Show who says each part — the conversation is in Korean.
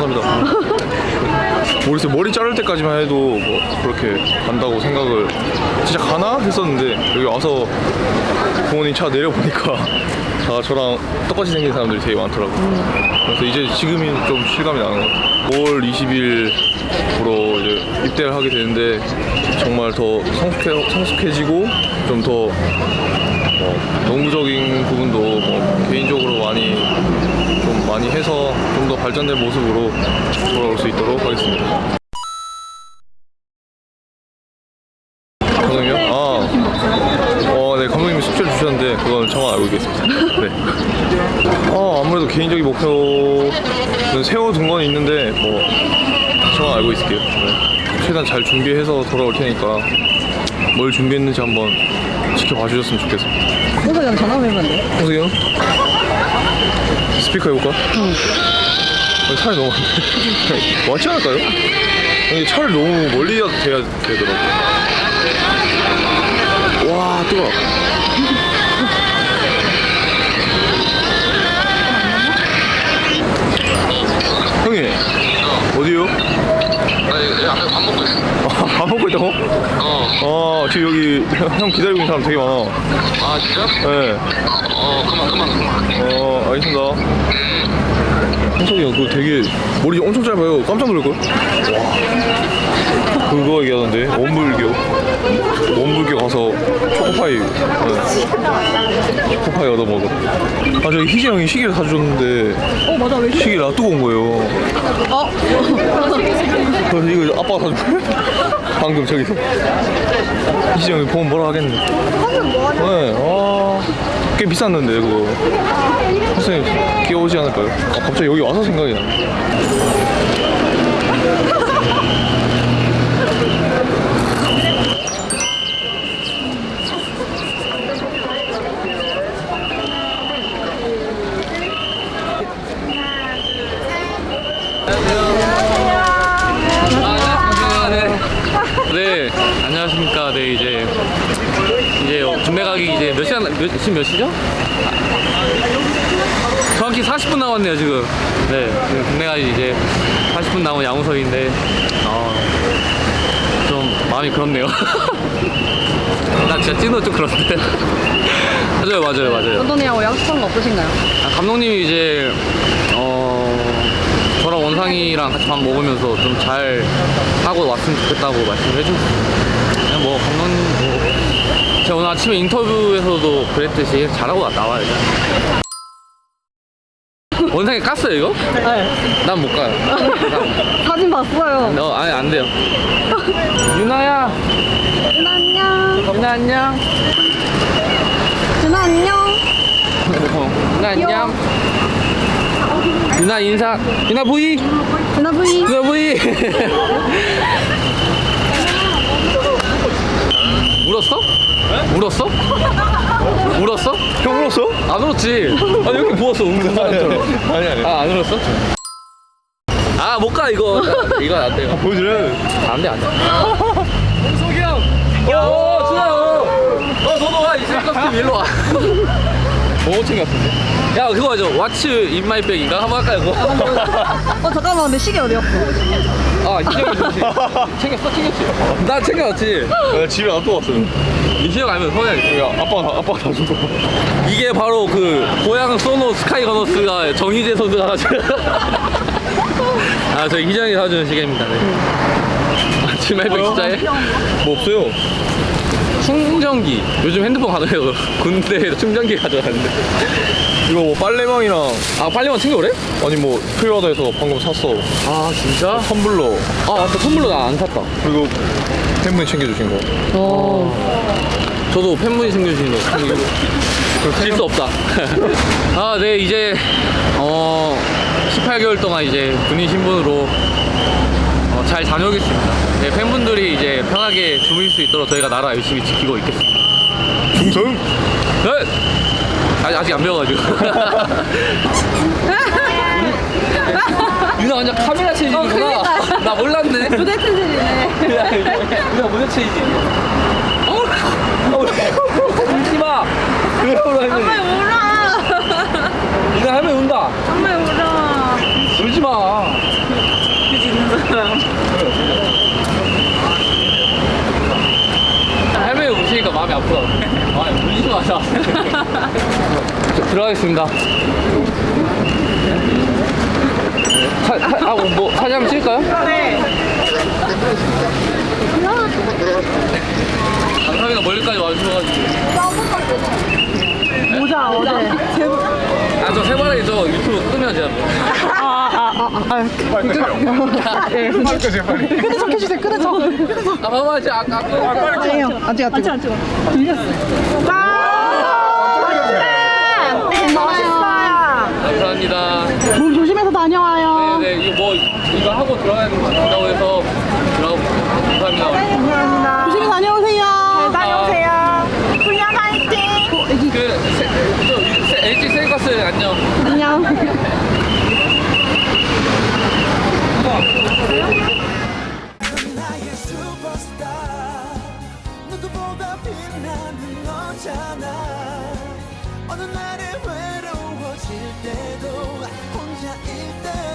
Speaker 1: 감사합니다. 모르겠어요. 머리 자를 때까지만 해도 뭐 그렇게 간다고 생각을 진짜 가나 했었는데 여기 와서 부모님 차 내려보니까 다 저랑 똑같이 생긴 사람들이 되게 많더라고요. 그래서 이제 지금이 좀 실감이 나는 것 같아요. 5월 20일부로 이제 입대를 하게 되는데 정말 더 성숙해지고 좀 더 농구적인 부분도 뭐 개인적으로 많이 해서 좀 더 발전된 모습으로 돌아올 수 있도록 하겠습니다. 감독님요? 네, 감독님이 숙제를 주셨는데 그건 저만 알고 있겠습니다. 네. 아무래도 개인적인 목표는 세워둔 건 있는데 뭐 저만 알고 있을게요. 네. 최대한 잘 준비해서 돌아올 테니까 뭘 준비했는지 한번 지켜봐 주셨으면 좋겠습니다.
Speaker 2: 홍석이 형 전화 한번 해보면 안 돼요?
Speaker 1: 홍석이 형? 스피커 해볼까?
Speaker 2: 응.
Speaker 1: 차이 너무 많네. 맞지 않을까요? 근데 차를 너무 멀리 돼야 되더라고. 와, 뜨거워. 형님, 어디요?
Speaker 3: 나 앞에 밥 먹고 있어.
Speaker 1: 밥 먹고 있다고? 지금 여기 형 기다리고 있는 사람 되게 많아.
Speaker 3: 아, 진짜?
Speaker 1: 네.
Speaker 3: 그만.
Speaker 1: 알겠습니다. 형석이 형, 그거 되게 머리 엄청 짧아요. 깜짝 놀랄걸? 와. 그거 얘기하던데, 원불교 가서 초코파이, 초코파이 얻어먹어. 저기 희재 형이 시계를 사줬는데,
Speaker 2: 맞아. 왜
Speaker 1: 시계 놔두고 온 거예요. 그래서 이거 아빠가 사준 거예요? 방금 저기서. 희재 형이 보면 뭐라 하겠네. 네, 꽤 비쌌는데, 그거. 선생님, 귀여우지 않을까요? 갑자기 여기 와서 생각이 나네.
Speaker 4: 네, 안녕하십니까. 네, 이제 군대 가기 이제 지금 몇 시죠? 정확히 40분 남았네요, 지금. 네, 지금 군대 가기 이제 40분 남은 양우석인데, 좀 마음이 그렇네요. 나 진짜 찐으로 좀 그런데. 맞아요.
Speaker 2: 감독님하고 약속한 거 없으신가요?
Speaker 4: 감독님이 이제, 저랑 원상이랑 같이 밥 먹으면서 좀 잘 하고 왔으면 좋겠다고 말씀을 해주셨어요. 그냥 뭐 감독님 제가 오늘 아침에 인터뷰에서도 그랬듯이 잘하고 나와야죠. 원상이 깠어요 이거?
Speaker 2: 네.
Speaker 4: 난 못 가요.
Speaker 2: 사진 봤어요.
Speaker 4: 아니 안 돼요. 유나야.
Speaker 2: 준아 안녕.
Speaker 4: 유나 안녕.
Speaker 2: 준아 안녕.
Speaker 4: 유나 안녕. 유나 인사. 유나 부이.
Speaker 2: 준아 부이.
Speaker 4: 유나 부이. 울었어? 네? 울었어? 울었어?
Speaker 1: 형 울었어?
Speaker 4: 안 울었지? 아니 이렇게 부었어 우는 사람처럼.
Speaker 1: 아니.
Speaker 4: 안 울었어? 못 가 이거 안 돼.
Speaker 1: 보여드려.
Speaker 4: 안 돼. 홍석이 형. 준아. 너도 와. 이 생각 일로 와.
Speaker 1: 뭐 챙겼는데?
Speaker 4: 야 그거죠. What's in my bag인가? 한번 할까요 그거?
Speaker 2: 잠깐만 근데 시계 어디 갔어?
Speaker 4: 희정이 좋지. 챙겼지. 나 챙겨왔지.
Speaker 1: 나 집에 놔두고 왔어요.
Speaker 4: 희정 알면 서야지.
Speaker 1: 아빠가 다 준 거.
Speaker 4: 이게 바로 그 고향 소노 스카이 거너스가 정희재 선수가 가지고. 저희 희정이 사주는 시계입니다. 네. 지금 말백 진짜해?
Speaker 1: 뭐 없어요.
Speaker 4: 충전기. 요즘 핸드폰 가져요. 군대에서 충전기 가져가는데.
Speaker 1: 이거 뭐 빨래망이랑
Speaker 4: 빨리만 챙겨오래?
Speaker 1: 아니 뭐 필요하다 해서 방금 샀어.
Speaker 4: 진짜?
Speaker 1: 텀블러
Speaker 4: 맞다. 선물로 나 안 샀다.
Speaker 1: 그리고 팬분이 챙겨주신 거.
Speaker 4: 저도 팬분이 챙겨주신 거 챙기고. 질 수 없다. 네, 이제 18개월 동안 이제 군인 신분으로 잘 다녀오겠습니다. 네, 팬분들이 이제 편하게 주무실 수 있도록 저희가 나라 열심히 지키고 있겠습니다.
Speaker 1: 중성?
Speaker 4: 네! 아직 안 배워가지고. 유나 완전 카메라 체질이구나.
Speaker 2: 그러니까.
Speaker 4: 나 몰랐네.
Speaker 2: 무대 체질이네.
Speaker 4: 유나 무대 체질. 울지마.
Speaker 2: 정말 울어.
Speaker 4: 유나 하면 운다.
Speaker 2: 정말 울어.
Speaker 4: 울지마. 들어가겠습니다. 뭐 사진 한번 찍을까요?
Speaker 2: 네.
Speaker 4: 감사합니다. 멀리까지 와주셔가지고.
Speaker 2: 모자 어제.
Speaker 4: 아, 저 세발에 저 유튜브 끄면 제가 뭐.
Speaker 2: 끄는 척 해주세요. 끄는 척.
Speaker 4: 아, 봐봐, 이제 아까
Speaker 2: 아니에요. 아직 안 찍어. 들렸어. 멋있어요.
Speaker 4: 감사합니다.
Speaker 2: 몸 조심해서 다녀와요.
Speaker 4: 네네, 이거 하고 들어가야 된다고 해서 감사합니다.
Speaker 2: 감사합니다. 조심히 다녀오세요. 잘 다녀오세요. 훈련 화이팅.
Speaker 4: LG 셀가스 안녕.
Speaker 2: 안녕.
Speaker 5: 나의 슈퍼스타 누구보다 빛나는 너잖아 어느 날에 외로워질 때도 혼자일 때